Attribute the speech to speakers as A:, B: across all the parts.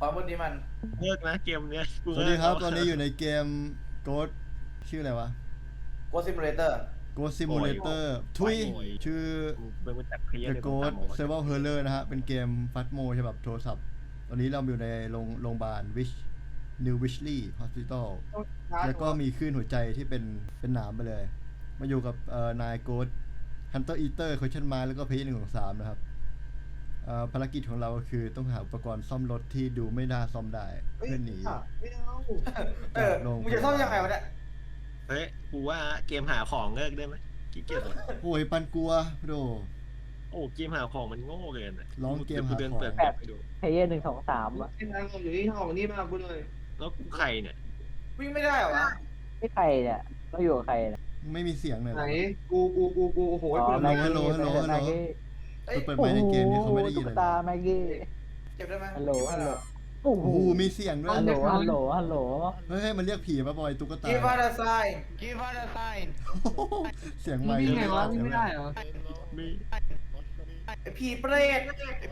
A: ความมืดนี้มัน
B: เลิกนะเกมเนี้ย
C: สวัสดีครับตอนนี้อยู่ในเกม Ghost ชื่ออะไรวะ
A: Ghost Simulator
C: Ghost Simulator ทุยชื่อ
B: เบิ่งมาจากเพลย์
C: The Ghost Survival Horror นะฮะเป็นเกมฟัตโมฉบับโทรศัพท์ ตอนนี้เราอยู่ในโรงพยาบาล New Wishley Hospital แล้วก็มีคลื่นหัวใจที่เป็นหนามไปเลย มาอยู่กับนาย Ghost Hunter Eater Question Mark แล้วก็เพย์123นะครับภารกิจของเราก็คือต้องหาอุปกรณ์ซ่อมรถที่ดูไม่น่าซ่อมได้เพื่อหนี
A: ไม่เอามึงจะซ่อมยังไงวะเนี่ย
B: เฮ้ยกูว่าเกมหาของเลิกได้ไหมขี้เกียจเลย
C: โอ้ยปันกลัวโด
B: โอ้เกมหาของมันโง่เกิน
C: ร้องเกมหาของ
B: เดินเปิดแบบไปดู
D: เพย์1 2 3อ่ะ
E: ที่ทางอยู่ที่ห้องนี่มากูเลย
B: แล้วกูใครเนี่ย
A: วิ่งไม่ได้เหรอวะ
D: ไม่ใครเนี่ยเราอยู่กับใครเนี่ย
C: ไม่มีเสียงเลย
E: ไหนกูโอ้โห
D: อ๋อ
E: เปิด
D: แม็
E: มาก
D: กี้
C: ฮัลโหล
D: แม็กกี้
A: เอ้ย
C: เปิดไมค์ในเกมนี้เขาไม่ได้ยิน
D: ตุ๊
C: เล
D: ก
C: ย
D: ตาแม็กกี้
A: เก็บได้ไหม
D: ฮัลโหลฮัลโหลโอ้โห
C: โอ้โหมีเสียงด้วย
D: ฮัลโหลฮัลโหลฮัลโหล
C: เฮ้ยมันเรียกผีมาบอยตุ๊กตา
A: Give us a sign Give us a sign
C: เสียง
E: มึ
C: ไม
E: ง
C: ค์
E: วิ่งไงวะ
C: เสี
E: วิ่
C: ย
E: ง
C: ง
E: ไม่ได้เหรอ
B: มี
A: ไอ้ผีเปรต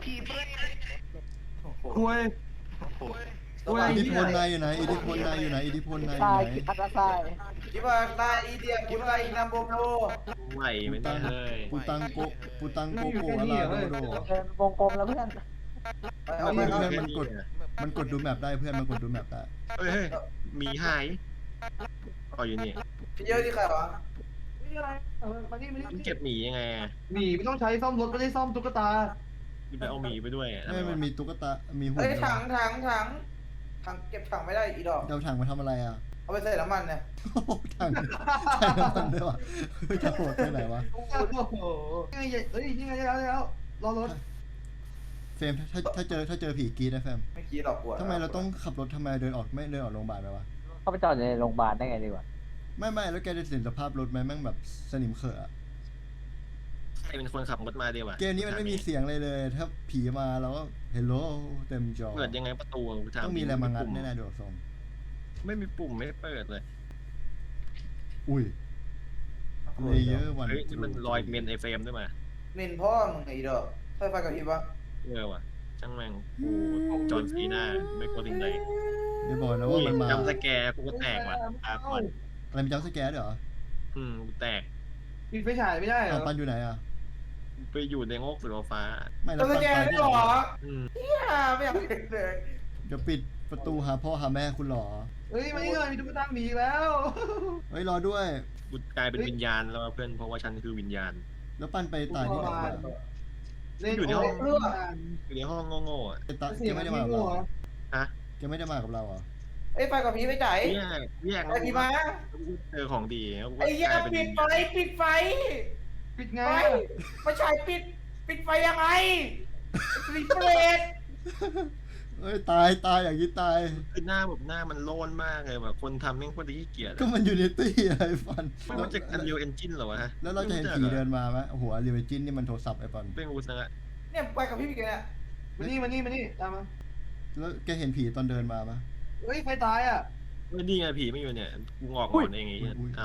E: คุย
C: อิทธิพลนายอยู่ไหนอิทธิพลนายอยู่ไหนอิทธิพลนายอ
D: ทราย
C: ยู่ไหน
D: กิทัศทราย
A: Give us a sign อีเดีย Give us a Inambopo
B: ไหวไหมเนี่ยเฮ้ย
C: ปูตังโกโกอาลาโดโด
D: เป็นวงกลมแล้วเพื่อน
A: เอาไป
C: เพื่อน
A: เอา
C: มันกดดูแมปได้เพื่อนมันกดดูแมปได้
B: เฮ้ยมีหายอ๋ออยู่นี่
A: พี่เยอะที่ใครวะ
E: นี่อะไรมานี่
B: มันเก็บหมียังไง
E: หนีไม่ต้องใช้ซ่อมรถไม่ได้ซ่อมตุ๊กตา
B: ไปเอาหมีไปด้วย
C: ไม่มันมีตุ๊กตามีหุ่น
A: เอ้ยถังเก็บถังไม่ได้อีดอก
C: เอาถังมาทำอะไรอ่ะ
A: เอาไปใส่น้ำมันเนี่ย
C: ถังใส่น้ำมันด้วยวะจะโหดไปไหนวะ
E: โอ้โหนี่ไงเฮ้ยนี่ไงแล้วรอรถ
C: เฟรมถ้าเจอผีกรีดนะเฟรม
A: ไม่กี้หรอกกลัว
C: ทำไมเราต้องขับรถทำไมเดินออกไม่เดินออกโรงพยาบาลไปวะ
D: เข้าไปจอดในโรงพยาบาลได้ไงดีวะ
C: ไม่แล้วแกจะเห็นสภาพรถไหมแม่งแบบสนิมเขอะ
B: ใครเป็นคนขับรถมาดีวะ
C: เกมนี้มันไม่มีเสียงเลย ถ้าผีมาเราก็เฮลโลเต็มจอ
B: เปิดยังไงประตู
C: ต้องมีอะไรมางัดแน่ๆดูทรง
B: ไม่มีปุ่มไม่เปิดเลย
C: อุ้ยเลเยอร์วัน
B: เฮ้ยนี่มันรอยเมนไอเฟรมด้วยมา
A: มินพ่อมึงไอ้ดอกไฟกับพริบวะ
B: ว่ะช่างแม่งกูจอห์นซีน่าไม่กลัวสิ่งใด
C: ไม่บอกนะว่ามันมา
B: จำสแกร์กูก็แตกว่ะตาก่อน
C: อะไรมีจัมป์สแกร์ด้วยเหรอ
B: กูแตก
E: ปิดไฟฉายไม่ได้เหร
C: เอา
E: อ
C: ปันอยู่ไหนอ่ะ
B: ไปอยู่ในโงกสีฟ้า
C: ไม่แล้ว
A: ตัว
C: ปัน
A: แก
C: ไป
A: ได้
C: ที่
A: หร
C: ไหน
A: อ
B: อืม
A: เนี่ยไม่อยากเห็นเลย
C: จะปิดประตูหาพ่อหาแม่คุณหรอ
E: เฮ้ยมานี่เลยมีตุ๊กตาหมีแล้ว
C: เฮ้ยรอด้วย
B: กูกลายเป็นวิญญาณแล้วเพื่อนเพราะว่าฉันคือวิญญาณ
C: แล้วปันไปตายที่ไหนมา
B: อยู่ในห้องโง่ๆอ่ะ
C: แก
E: เสียง
C: ไม่
E: มัน
C: ได้
E: มี
C: มากับ
E: หั
C: เรา
E: ว
B: ฮะ
C: แกไม่ได้มากับเราเหรอ
A: ไอ้ไฟกับพริบไม่จ่าย
B: แยก
A: ไอ้พี่มา
B: เจอของดีแล้วกู
A: ไอ้
B: ก
A: ยา
B: ลายเป็น
A: ปิดไฟปิดไฟ
E: ปิดไง
A: ไฟไม่ใช่ปิดไฟยังไงปิดเปรต
C: เอ้ยตายอย่างนี้ตาย
B: คือหน้ามันโลนมากเลยแบบคนทำแม่งโคตรขี้เกียจ
C: ก็มันอยู่ในตี้อะไรปัน
B: ไม่รู้จัก Unreal Engine เหรอวะฮะ
C: แล้วเราจะเห็นผีเดินมาไหมโอ้โหเรียลจินนี่มันโทรศัพท์ไอ้ปัน
B: เป็นกูซะละ
A: เนี่ยไฟกับพริบอีกเนี่ย
E: มานี่ตามมา
C: แล้วแกเห็นผีตอนเดินมาปะ
E: เฮ้ยใครตายอ่ะ
B: ไม่ดีไงผีไม่อยู่เนี่ยกูงอกก่อนเองไงอ้าว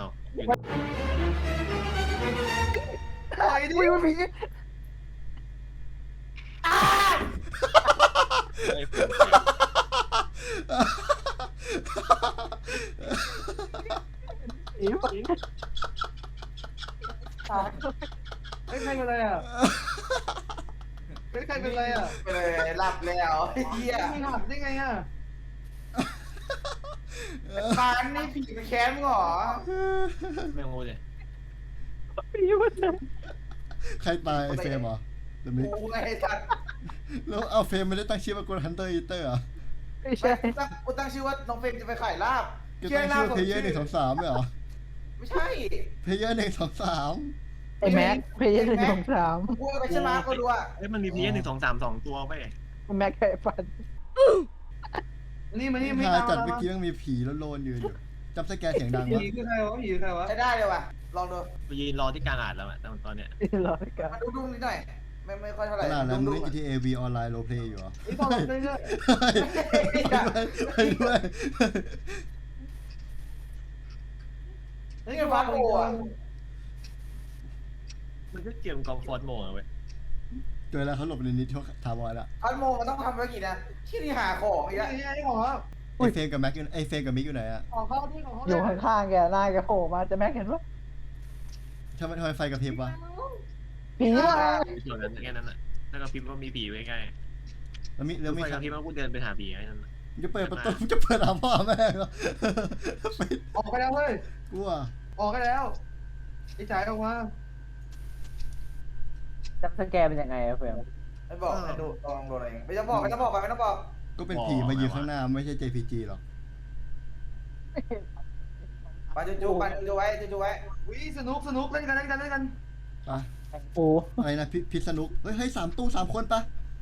E: ตายดิ
D: อุ้ยมันผี อีผี
E: เฮ้ยใครเป็นอะไรอ่ะเฮ้ยใครเป็นอะไรอ่ะ
A: ไปเลยหลับแล้วไอ้เหี้ย
E: ไม่หักได้ไงอ่ะ
A: ปานนี่ผีไปแค้นมึงเหรอ
B: แม่งโง่เลย
D: ผีมันเลย
C: ใครตายไอ้เฟรมเหรอเดมิก
A: กูไอ้สัตว์
C: แล้วเอาเฟรมไม่ได้ตั้งชื่อว่ากดฮันเตอร์อีเตอร์เหรอ
D: ไม่ใช่
A: กูตั้งชื่อว่าน้องเฟรมจะไปขายลาบ
C: แกตั้งชื่อเพย์เยอร์123เหรอ
A: ไม่ใช่
C: เพย์เยอร์123
D: ไอ้แม็กเพย์1 2
A: กูไปใช่ไหมก็ดูอ่ะ
B: เอ้ยมันมีพีเอ1 2 3 2ตัวไป
D: 3แม็กไก่ฟัน
E: มานี่
C: หา
E: ตาม
C: จัดเมื่อกี้ยังมีผีแล้วโลนยืนอยู่จับสแกนเสียงดัง
E: ผี
C: วะ
E: คือใครวะผีคือใครวะ
A: ใช้ได้เลยว่ะลองดู
B: ไปยืนรอที่กลางอ่านแล้วอะตอนเนี้ย
D: รอกัน
A: มาดุ้งนิดหน่อยไม่ค่อยเท่าไห
C: ข
A: ร่
C: นาดนั้นมึง
A: ดุ้
C: เล่
A: ง
C: น GTA V ออนไลน์โรเพลย์อยู่เหรอ
E: ไอ้พอเราเรื่อย
C: ไปด้วย
E: ๆ
A: นี่มันฟาสโกอ่ะ
B: มันก็เกมกอล์ฟฟอร์ดโหมดเว้ย
C: เจอแล้วเขาหลบในนิดถาวรละ
A: พัดโมมันต้องทำภารกิจนะที่นี่หาของอีก
E: นี่
A: แล้ว
E: ไอ้หมอ
C: ไอเฟรมกับแม็กอยู่ไอเฟรมกับมิกอยู่ไหนอะ
E: ของเขาที่ของเขา
D: อยู่ข้างๆแกหน้าแกโผล่มาจะแม็กเห็นปะ
C: ทำไมไฟกระพริบวะ
D: ผีมา
B: ส่วนนั้นแค่นั้นแหละแล้วก็พิมพ์ว่ามีผีไว้ใกล้
C: แล้วมี
B: แล้ว
C: ใค
B: ก็
C: ร
B: พิมพ์ว่ากูเดินไปหาผีไอ้นั่น
C: จะเปิดประตูจะเปิดหาพ่อแม่เหรอไป
E: ออกไปแล้วเว้ย
C: กลัว
E: ออกไปแล้วไอ้จ่ายออกมา
D: จับสแกนเป็นยังไงอะเฟรม
A: ไม่บอกให้ดูลองดูอะไรไม่ต้องบอกไม่ต้องบอกไม่ต้องบอก
C: ก็เป็นผีมายืนข้างหน้าไม่ใช่ JPG หรอก
A: ไปจู่ๆไปจู่ๆไว้จู่ๆไว้
E: วิสนุกเล่นกัน
C: ไป
D: แข่งปู
C: อะไรนะพิษสนุกเฮ้ย3 ตู้3 คนปะ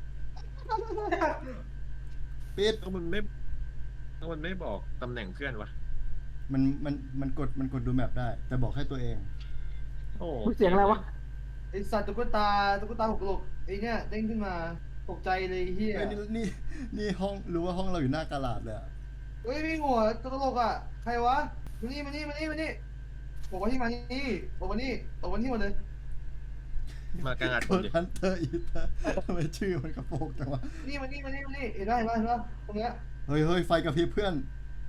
C: ปิด
B: ก็มันไม่บอกตำแหน่งเพื่อนวะ
C: มันกดดูแมปได้ แต่บอกให้ตัวเอง
B: โอ้
D: เสียงอะไรวะ
E: ไอ้สัตว์ตุ๊กตาหกหลกไอ้เนี่ยเด้งขึ้นมาตกใจเลยเฮีย
C: เฮ้ยนี่ห้องรู้ว่าห้องเราอยู่หน้ากาลาดเลยอะ
E: เฮ้ยมีหัวตลกอ่ะใครวะมานี่บอกว่าที่มานี่บอกว่านี่หมดเลย
B: มากลางอัด
C: โค
B: คน
C: ด
B: เดียว
C: ฮันเตอร์อีเตอร์ทำไมชื่อมันกระโปงจังวะ
E: นี่มานี่เห็นปะตรงเนี้ย
C: เฮ้ยไฟกระพริบเพื่อน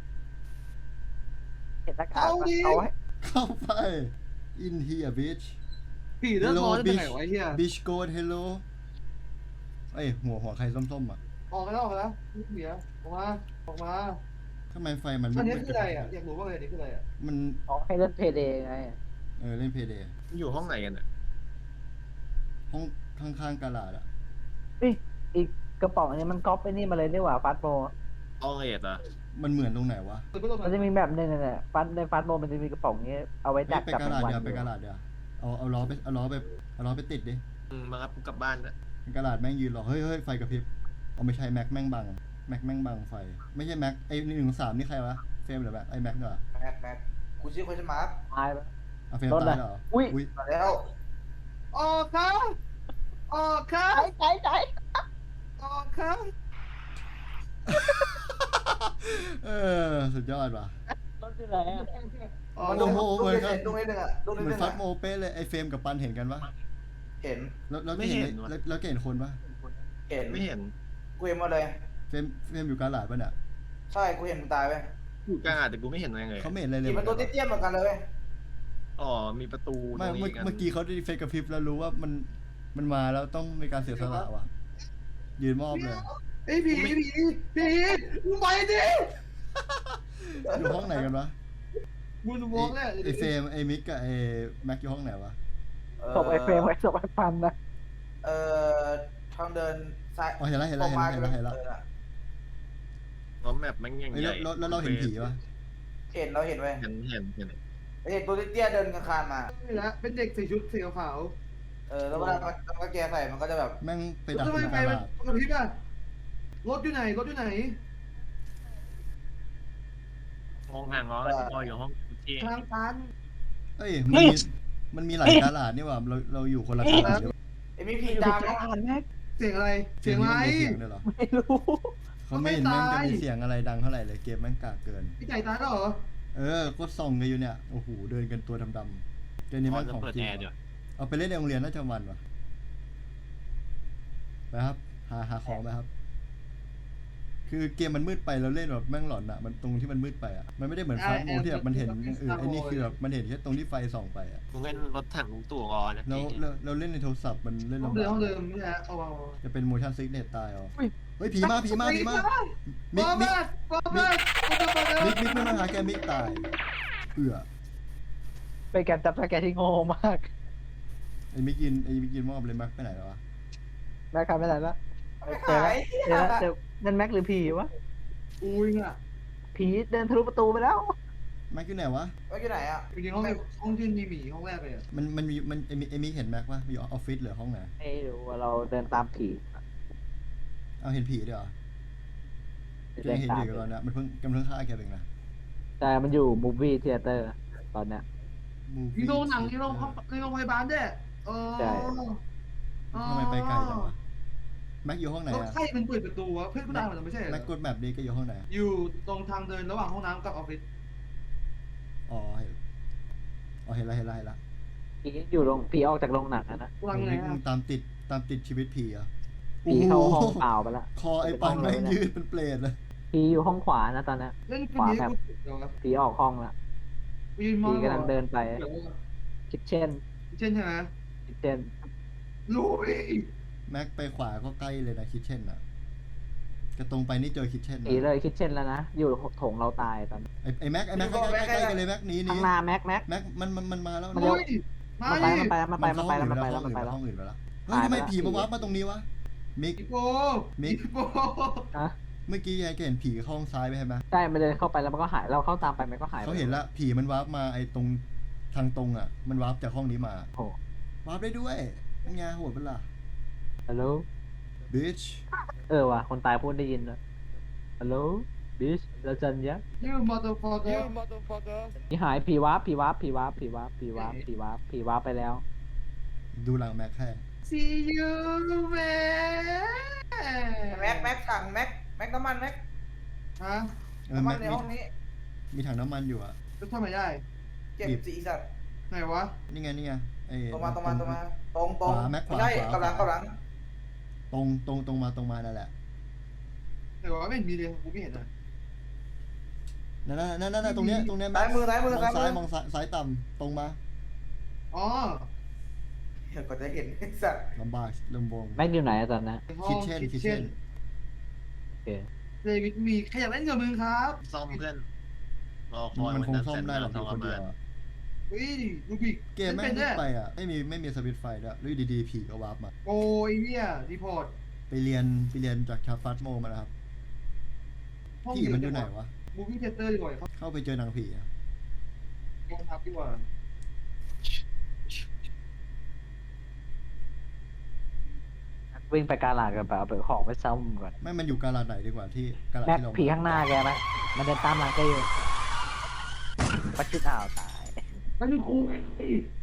D: เห็นหน้ากาก
E: เอาดิ
D: เอาไว้
C: เข้าไป in here bitch
E: ผีเลือดร้อนจะเป็นไงวะไอ้เฮีย
C: bitch go hello เอ้ยหัวใครส้มๆอ่ะ
E: ออกไปแล้วเสียออกมา
C: ทำไมไฟมัน
E: อันนี้
C: ไม่
E: คืออะไรอ่ะอยากรู้ว่าอันนี้คืออะไรอ่ะ
C: มัน
D: เอาให้เล่นเพย์เดย์ไง
C: เล่นเพย์เดย์
B: อยู่ห้องไหนกันอ่ะ
C: ห้องข้างๆกาลาดอ่ะ
D: อีกกระป๋องอันนี้มันก๊อปไปนี่มาเลยนี่หว่าฟาสโม
B: ห้องเอ็ดอ่ะ
C: มันเหมือนตรงไหนวะ
E: ตัวก็ลง
D: มันจะมีแบบนึงนั่นแหละในฟาสโมมันจะมีกระป๋องนี้เอาไว้ดัก
C: ไป
D: จับ
C: กาลาด
D: วัน
C: เดี๋ยวไปกาลาดเดี๋ยวเอาล้อไปติดดิ
B: มารับกูกลับบ้านอ่ะ
C: กาลาดแม่งยืนรอเฮ้ยไฟกระพริบเอาไม่ใช่แม็กแม่งบังไฟไม่ใช่แม็กไอ้1 3นี่ใครวะเฟรมหรือแม็กไอ้แม็กเหรอ
A: แม็กกูชื่อคนสมาร์ท
D: ตายไป
C: เฟรมตายเหรอ
D: อุ้ย
A: มาแล้ว
E: ออกครับ
D: ใจ
E: ออกครับ
C: สุดยอดว่ะ
D: รถอยู่ไหนอะ
A: มัน
C: โอ้
A: ดู
C: โห
A: ดู
C: เหมือน
A: นิด
C: กัน
A: นึงดูนิดนึงอ่ะดูนิด
C: เหมื
A: นึ
C: อน
A: ง
C: ฟัดโมเป้เลยไอ้เฟรมกับปันเห็นกันปะ
A: เห็น
C: แล้วเห็นแล้วเห็นคนปะ
A: เห็น
B: ไม่เห็น
A: กูเห็นมาเลย
C: เฟรมอยู่กาลาดปะเนี่ย
A: ใช่กูเห็นมึงตายไป
B: อยู่กลางอัดแต่กูไม่เห็นอะไรเลย
C: เขาไม่เห็นอะไรเลย
A: กี่มันตัวเตี้ยๆเหมือนกันเลย
B: อ๋อมีประตูต
C: ไม่
B: รงนี้กัน
C: เมื่อกี้เขาได้เฟซกระพริบแล้วรู้ว่ามันมาแล้วต้องมีการเสียสละว่ะยืนมอบเลย
E: ไอ้ผีมึงไปดิ
C: อยู่ห้องไหนกันวะ
E: มึงมองเลย
C: ไอเฟรมไอมิกกับไอแม็กอยู่ห้องไหนวะ
D: ศพไอ้เฟรมไว้ศพไอ้ปันนะ
A: ทางเดินซ้าย
C: อ๋อเห็นแล้ว
B: ล้อมแมปมันยัง
C: เฮ้ย
B: ใหญ่
C: แล้วเราเห็นผีปะ
A: เห็นเราเห็นไว้
B: เห็น
A: เห็นตัวเตี้ยๆเดินคานมา
E: นี่แหละเป็นเด็กใส่ชุดสีขาว
A: แล้วเวลาแกใส่มันก็จะแบบ
C: แม่งไป
E: ๆ
C: ดัก
E: ทำไม
C: ใน
E: ไฟ
C: กา
E: มัน
C: ลาด
E: กระพริบอ่ะรถอยู่ไหน
B: ห้องห่างล้ออยู่ห้องที่
E: ทางตัน
C: เอ้ยมันมีหลายกาลาดนี่ว่ะเราอยู่คนละกาลาดด้วย
A: ไอ้มีผีตาม
D: อ่านแม็ก
E: เสียงอะไรเสียงอะไร
C: เสียงด้วยเหรอ
D: ไม่รู้
C: เขาไม่เห็นแม่งจะมีเสียงอะไรดังเท่าไหร่เลยเกมแม่งกากเกิน
E: พี่ไก่ตายแล้วเหรอ
C: ก็ส่องกันอยู่เนี่ยโอ้โหเดินกันตัวดำๆเกมนี้แม่ง
B: จะ
C: ของ
B: เปิด
C: จริ
B: แอง ร์เดี๋ยว
C: เอาไปเล่นในโรงเรียนน่าจะมันว่ะไปครับหาของไปครับ คือเกมมันมืดไปเราเล่นแบบแม่งหลอนอะมันตรงที่มันมืดไปอะมันไม่ได้เหมือนฟาสต์โมที่แบบมันเห็นอย่างอื่นไอ้นี่คือแบบมันเห็นแค่ตรงที่ไฟส่องไปอะ
B: มึงเล่นรถถังลุงตู่รอนะ
C: เราเล่นในโทรศัพท์มันเล่น
E: ห้อง
C: ลำ
E: เดิม
C: บา
E: ห้องเดิ
C: ก
E: มนี่แหละเอา
C: จะเป็น motion sickness ตายอ๋อเฮ้ยผีมามิกไม่มาหาแกมิกตาย
D: เป็นการจับสแกนที่โง่มาก
C: ไอ้มิกยินมอบเลยมักไปไหนแล้ววะ
D: แม็กใครไปไหนละ
A: หาย
D: เดี๋ยวนั่นแม็กหรือผีวะ
E: อุ้ยอ่ะ
D: ผีเดินทะลุประตูไปแล้ว
C: มักอยู่ไหนวะ
A: ว่าอยู่ไหนอ่ะ
E: จริงๆห้องที่มีหมีห้องแรกเลยอ่ะ
C: มันไอ้มิกเห็นแม็กวะอยู่ออฟฟิศหรือห้องไหน
D: ไม่รู้ว่าเราเดินตามผี
C: เอาเห็นผีด้วยเหรอแกเห็นอยู่กับเราเนี่ยมันเพิ่งกำลังฆ่าแกเองนะ
D: แต่มันอยู่มูฟวี่เทเตอร์ตอนเนี้ย
E: มีโรงหนังในโรงพยาบาลด้วย
D: ใช่
C: ทำไมไปไกลจังวะแม็กอยู่ห้องไหน
E: แล้ว
C: อะ
E: ใครเป็นเปิดประตูวะเพื่อนกูตายหมดแล้วไม่ใช่เหร
C: แม็กก
E: อ
C: ดแมปดีก็อยู่ห้องไหน
E: อยู่ตรงทางเดินระหว่างห้องน้ำกับออฟฟิศ
C: อ๋อเห็นละ
D: ผีอยู่โรงผีออกจากโรงหนังนะ
E: กูรังไง
C: มิก
E: อ่ะ
C: มึงตามติดตามติดชีวิตผีอ่ะ
D: ผีเข้าห้องเปล่าไปละ
C: คอไอ้ปันแม่งยืดเป็นเปรตเลย
D: ผีอยู่ห้องขวานะตอนเนี้ย
E: เล่นคืนนี้กูเดี๋ยวนะ
D: ผีออกห้องละ
E: กูยืนมอง
D: ผีกำลังเดินไป
E: เดี๋ยว
D: คิดเช่น
E: เช่นใช่ไหม
D: คิดเช่น
E: ลุย
C: แม็กไปขวาก็ใกล้เลยนะคิทเช่นอ่ะกระตรงไปนี่เจอคิทเช่น
D: ผีเลยคิดเช่นแล้วนะ อยู่โถงเราตายตอนนี้
C: ไอ้แม็กใกล้ๆกันเลยแม็กหนี
D: ข้างหน้าแม็ก
C: แม็กมันมาแล้ว
D: มันเร็ว
E: ลุยมา
D: มันไป
E: ดิ
D: มันไปแล้ว
C: ห้องอื่นไปแล้วเฮ้ย
D: ตาย
C: ทำไม
D: ไปละ
C: ผีมาวาร์ปมาตรงนี้วะมิก
E: อีโป
C: มิก
E: อีโป
D: อะ
C: เมื่อกี้ยายแกเห็นผีเข้าห้องซ้ายไปใช่ไหม
D: ใช่มันเดินเข้าไปแล้วมันก็หาย เราเข้าตามไปมันก็หายไป
C: เขาเห็นละผีมันวาร์ปมาไอ้ตรงทางตรงอ่ะ มันวาร์ปจากห้องนี้มา
D: โอ้
C: วาร์ปได้ด้วยเป็นไงโหดเป็นล่ะ
D: ฮัลโหล
C: บิช
D: ว่ะคนตายพูดได้ยินเลยฮัลโหลบิชเราจันยะ
E: ยูมอเตอร์ฟอร์เกอร์
D: ผีหายผีวาร์ปไปแล้ว
C: ดูหลังแม็กแค่
E: See you man
A: แม็กถังแม็กน้ำมันแม็ก
E: ฮะ
A: น้ำมั
C: แม็
A: น
C: ก
A: ในห้องนี้
C: มีถังน้ำมันอยู่อ่ะ
E: จะทำไมได้
A: เก็บสีสัตว์
E: ไหนวะ
C: นี่ไงไอ้
A: ตรงมาตรงไม่ใช่กำลัง
C: ตรงมานั่นแหละ
E: ไหนวะไม่เห็นมีเลยกูไม่เห็นอ่ะ
C: นั่นตรงเนี้ย
A: ซ้ายมือ
C: มองซ้ายมองซ้ายต่ำตรงมา
E: อ๋อ
A: เดี๋ยวก็จะเห็นสัตว์
C: ลำบากลำบง
D: แม็กอยู่ไหนอะตอนนั้น
C: คิทเช่น
D: โอเค
E: เดวิดมีใครอยากเล่นกับมึงครับ
B: ซ่อมเพื่อนรอคอย
C: มันคง
B: จะ
C: ซ่อมได้หรอก
B: เสร็จ
C: คนเดียวอะ
E: เฮ้ยลูบิก
C: เกมแม่
E: เป็
C: ง
E: น
C: ลุ
E: ด้
C: กไปอ่ะไม่มีสวิตช์ไฟด้วยแล้วอยู่ดีๆผีก็วาร์ปมา
E: โอ้ยเนี่ยรีพอร์ต
C: ไปเรียนจากชาฟัสโมมานะครับผีมันอยู่ไหนวะ
E: มูฟี่เทเตอร์ดีกว่าเขา
C: เข้าไปเจอหนังผีอะ
E: กองทัพดีกว่า
D: วิ่งไปกาลาดกันไปเอาไปของไปซ่อมก่อน
C: ไม่มันอยู่กาลาดไหนดีกว่าที่กาลาด
D: แม็ก
C: ที่เรา
D: ผีข้างหน้าแกไหมมันเดินตามหลังแกอยู่ปัดชิดอ่าวตาย
E: มันคือครู